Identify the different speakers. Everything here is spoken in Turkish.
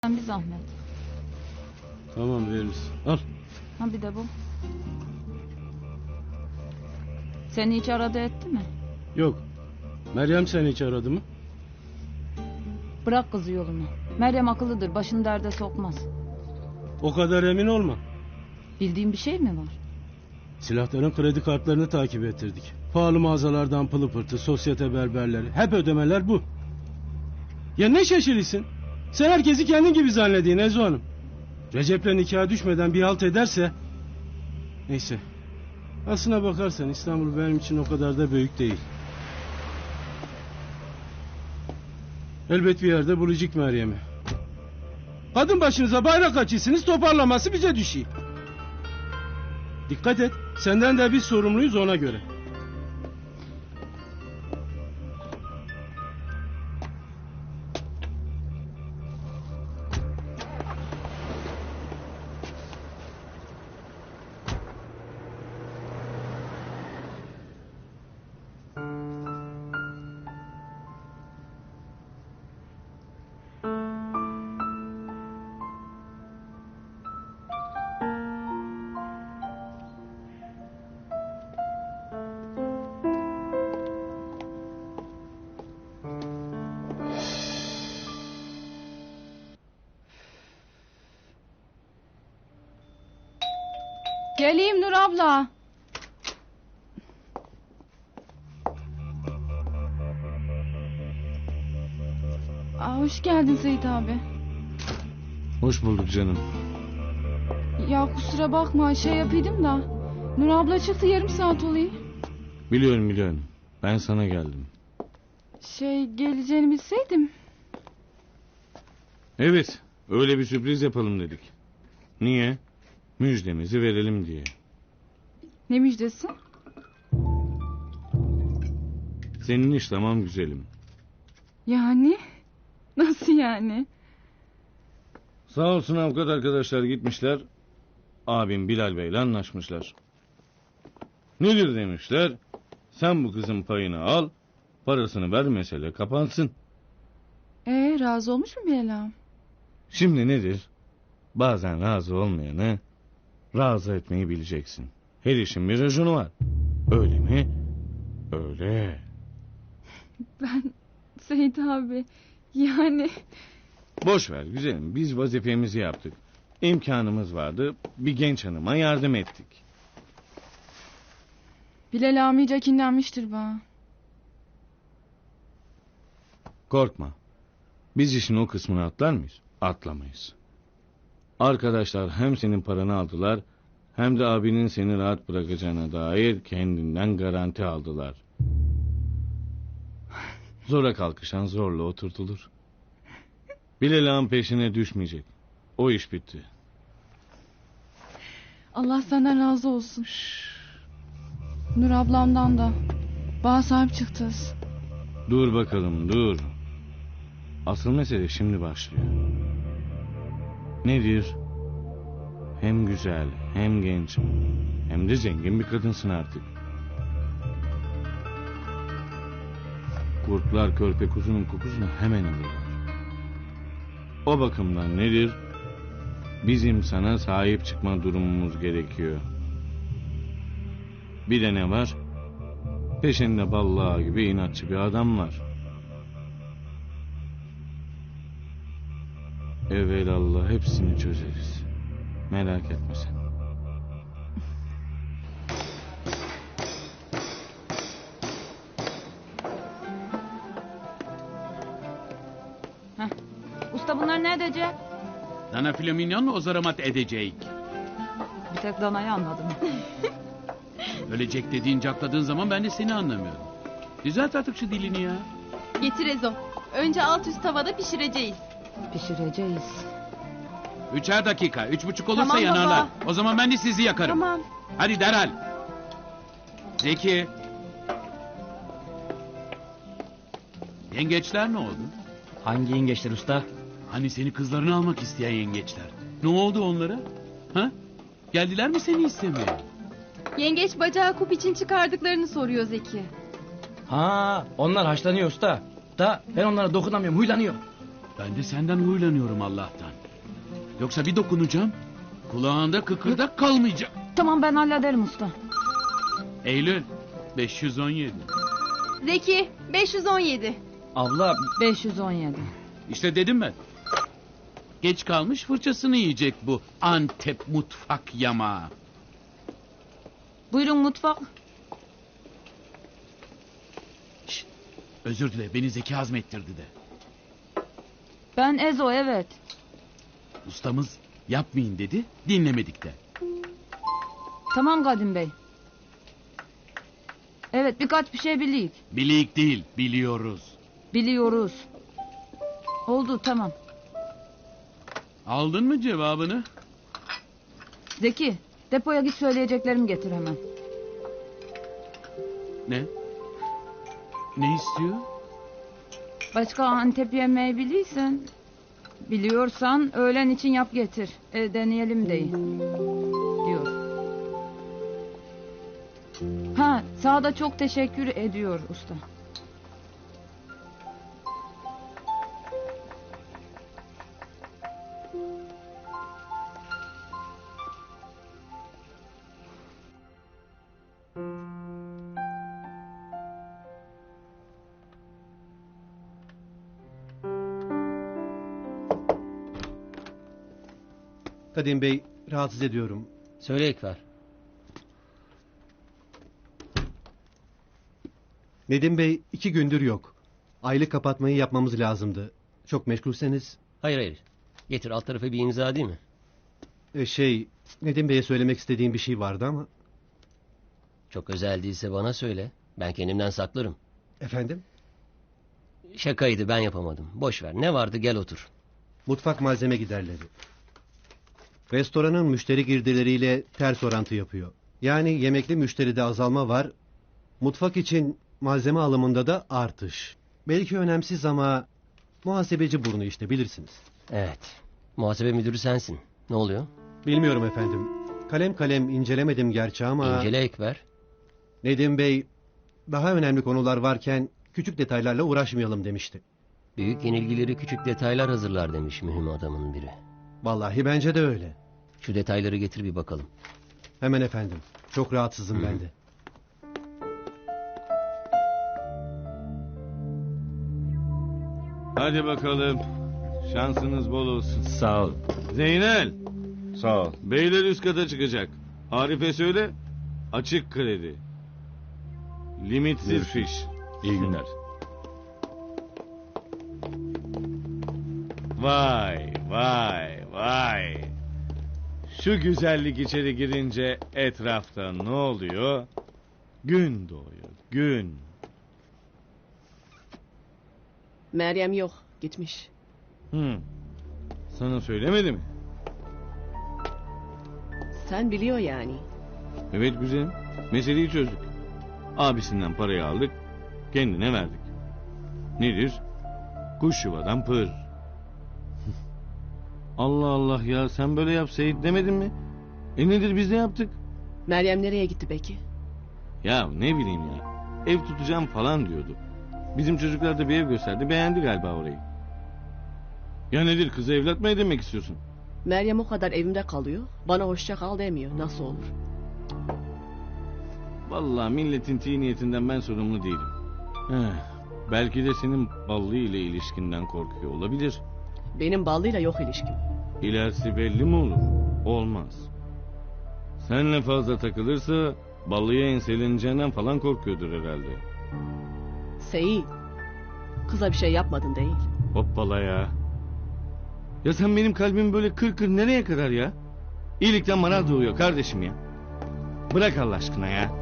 Speaker 1: Sen bir zahmet.
Speaker 2: Tamam veririz. Al.
Speaker 1: Ha bir de bu. Seni hiç aradı etti mi?
Speaker 2: Yok. Meryem seni hiç aradı mı?
Speaker 1: Bırak kızı yolunu. Meryem akıllıdır, başını derde sokmaz.
Speaker 2: O kadar emin olma.
Speaker 1: Bildiğin bir şey mi var?
Speaker 2: Silahların kredi kartlarını takip ettirdik. Pahalı mağazalardan pılı pırtı, sosyete berberleri. Hep ödemeler bu. Ya ne şaşırırsın? Sen herkesi kendin gibi zannediyorsun Ezo Hanım. Recep'le nikaha düşmeden bir halt ederse... Neyse. Aslına bakarsan İstanbul benim için o kadar da büyük değil. Elbet bir yerde bulacak Meryem'i. Kadın başınıza bayrak açıyorsunuz, toparlaması bize düşüyor. Dikkat et, senden de biz sorumluyuz ona göre.
Speaker 1: Geleyim Nur abla. Hoş geldin Seyit abi.
Speaker 3: Hoş bulduk canım.
Speaker 1: Ya kusura bakma şey yapaydım da. Nur abla çıktı, yarım saat oluyor.
Speaker 3: Biliyorum. Ben sana geldim.
Speaker 1: Geleceğini bilseydim.
Speaker 3: Evet, öyle bir sürpriz yapalım dedik. Niye? Müjdemizi verelim diye.
Speaker 1: Ne müjdesi?
Speaker 3: Senin iş tamam güzelim.
Speaker 1: Yani? Nasıl yani?
Speaker 3: Sağ olsun avukat arkadaşlar gitmişler. Abim Bilal Bey'le anlaşmışlar. Nedir demişler? Sen bu kızın payını al, parasını ver, mesele kapansın.
Speaker 1: Razı olmuş mu Bilal ağam?
Speaker 3: Şimdi nedir? Bazen razı olmayanı razı etmeyi bileceksin. Her işin bir raconu var. Öyle mi? Öyle.
Speaker 1: Ben Seyit abi yani...
Speaker 3: Boş ver güzelim, biz vazifemizi yaptık. İmkanımız vardı, bir genç hanıma yardım ettik.
Speaker 1: Bilal ağam iyice kinlenmiştir bana.
Speaker 3: Korkma. Biz işin o kısmını atlar mıyız? Atlamayız. Arkadaşlar hem senin paranı aldılar, hem de abinin seni rahat bırakacağına dair kendinden garanti aldılar. Zora kalkışan zorla oturtulur. Bilal ağam peşine düşmeyecek. O iş bitti.
Speaker 1: Allah senden razı olsun. Nur ablamdan da. Bana sahip çıktınız.
Speaker 3: Dur bakalım dur. Asıl mesele şimdi başlıyor. Nedir? Hem güzel, hem genç, hem de zengin bir kadınsın artık. Kurtlar körpe kuzunun kokusunu hemen alırlar. O bakımdan nedir? Bizim sana sahip çıkma durumumuz gerekiyor. Bir de ne var? Peşinde ballağı gibi inatçı bir adam var. Evelallah hepsini çözeriz. Merak etme sen.
Speaker 1: Usta bunlar ne edecek?
Speaker 4: Dana flaminyon ozaramat edecek.
Speaker 1: Bir tek danayı anladım.
Speaker 4: Ölecek dediğin cakladığın zaman ben de seni anlamıyorum. Düzelt artık şu dilini ya.
Speaker 5: Getir Ezo. Önce alt üst tavada pişireceğiz.
Speaker 1: Pişireceğiz.
Speaker 4: 3'er dakika. 3,5 olursa
Speaker 5: Tamam
Speaker 4: yanarlar.
Speaker 5: baba.
Speaker 4: O zaman ben de sizi yakarım.
Speaker 5: Tamam.
Speaker 4: Hadi derhal. Zeki. Yengeçler ne oldu?
Speaker 6: Hangi yengeçler usta?
Speaker 4: Hani seni kızlarını almak isteyen yengeçler. Ne oldu onlara? Ha? Geldiler mi seni istemeye?
Speaker 5: Yengeç bacağı kup için çıkardıklarını soruyor Zeki.
Speaker 6: Ha, onlar haşlanıyor usta. Da ben onlara dokunamıyorum, huylanıyor.
Speaker 4: Ben de senden huylanıyorum Allah'tan. Yoksa bir dokunacağım. Kulağında kıkırdak kalmayacak.
Speaker 1: Tamam ben hallederim usta.
Speaker 4: Eylül 517.
Speaker 5: Zeki 517.
Speaker 6: Abla
Speaker 1: 517.
Speaker 4: İşte dedim ben. Geç kalmış fırçasını yiyecek bu Antep mutfak yamağı.
Speaker 1: Buyurun mutfak.
Speaker 4: Şşt, özür dile, beni Zeki hazmettirdi de.
Speaker 1: Ben Ezo, evet.
Speaker 4: Ustamız yapmayın dedi, dinlemedik de.
Speaker 1: Tamam Kadim Bey. Evet, birkaç bir şey biliyik.
Speaker 4: Bilik değil, biliyoruz.
Speaker 1: Biliyoruz. Oldu, tamam.
Speaker 4: Aldın mı cevabını?
Speaker 1: Zeki, depoya git, söyleyeceklerimi getir hemen.
Speaker 4: Ne? Ne istiyor?
Speaker 1: Başka Antep yemeği biliysen... Biliyorsan öğlen için yap getir. Deneyelim deyin. Diyor. Ha, sana da çok teşekkür ediyor usta.
Speaker 7: Kadim Bey, rahatsız ediyorum.
Speaker 6: söyle Ekber.
Speaker 7: Nedim Bey 2 gündür yok. Aylık kapatmayı yapmamız lazımdı. Çok meşgulseniz...
Speaker 8: Hayır. Getir, alt tarafa bir imza değil mi?
Speaker 7: Nedim Bey'e söylemek istediğim bir şey vardı ama...
Speaker 8: Çok özel değilse bana söyle. Ben kendimden saklarım.
Speaker 7: Efendim?
Speaker 8: Şakaydı, ben yapamadım. Boş ver. Ne vardı, gel otur.
Speaker 7: Mutfak malzeme giderleri. Restoranın müşteri girdileriyle ters orantı yapıyor. Yani yemekli müşteride azalma var. Mutfak için malzeme alımında da artış. Belki önemsiz ama... Muhasebeci burnu işte, bilirsiniz.
Speaker 8: Evet. Muhasebe müdürü sensin. Ne oluyor?
Speaker 7: Bilmiyorum efendim. Kalem kalem incelemedim gerçi ama...
Speaker 8: İncele Ekber.
Speaker 7: Nedim Bey daha önemli konular varken küçük detaylarla uğraşmayalım demişti.
Speaker 8: Büyük yenilgileri küçük detaylar hazırlar demiş mühim adamın biri.
Speaker 7: Vallahi bence de öyle.
Speaker 8: Şu detayları getir bir bakalım.
Speaker 7: Hemen efendim. Çok rahatsızım ben de.
Speaker 3: Hadi bakalım. Şansınız bol olsun.
Speaker 6: Sağ ol.
Speaker 3: Zeynel.
Speaker 6: Sağ ol.
Speaker 3: Beyler üst kata çıkacak. Arif'e söyle. Açık kredi. Limitsiz fiş.
Speaker 6: İyi günler.
Speaker 3: Vay vay vay. Şu güzellik içeri girince etrafta ne oluyor? Gün doğuyor, gün.
Speaker 9: Meryem yok, gitmiş.
Speaker 3: Sana söylemedi mi?
Speaker 9: Sen biliyor yani.
Speaker 3: Evet güzelim. Meseleyi çözdük. Abisinden parayı aldık. Kendine verdik. Nedir? Kuş yuvadan pır. Allah Allah ya, sen böyle yap Seyit demedin mi? Nedir, biz de yaptık.
Speaker 9: Meryem nereye gitti peki?
Speaker 3: Ya ne bileyim ya. Ev tutacağım falan diyordu. Bizim çocuklar da bir ev gösterdi. Beğendi galiba orayı. Ya nedir, kızı evlat mı edinmek istiyorsun?
Speaker 9: Meryem o kadar evimde kalıyor. Bana hoşça kal demiyor. Nasıl olur?
Speaker 3: Vallahi milletin niyetinden ben sorumlu değilim. Belki de senin Ballı ile ilişkinden korkuyor olabilir.
Speaker 9: Benim Ballı'yla yok ilişkim.
Speaker 3: İlerisi belli mi olur? Olmaz. Seninle fazla takılırsa Ballı'ya enseleneceğinden falan korkuyordur herhalde.
Speaker 9: Seyit. Kıza bir şey yapmadın değil.
Speaker 3: Hoppala ya. Ya sen benim kalbimi böyle kır kır nereye kadar ya? İyilikten maraz doğuyor kardeşim ya. Bırak Allah aşkına ya.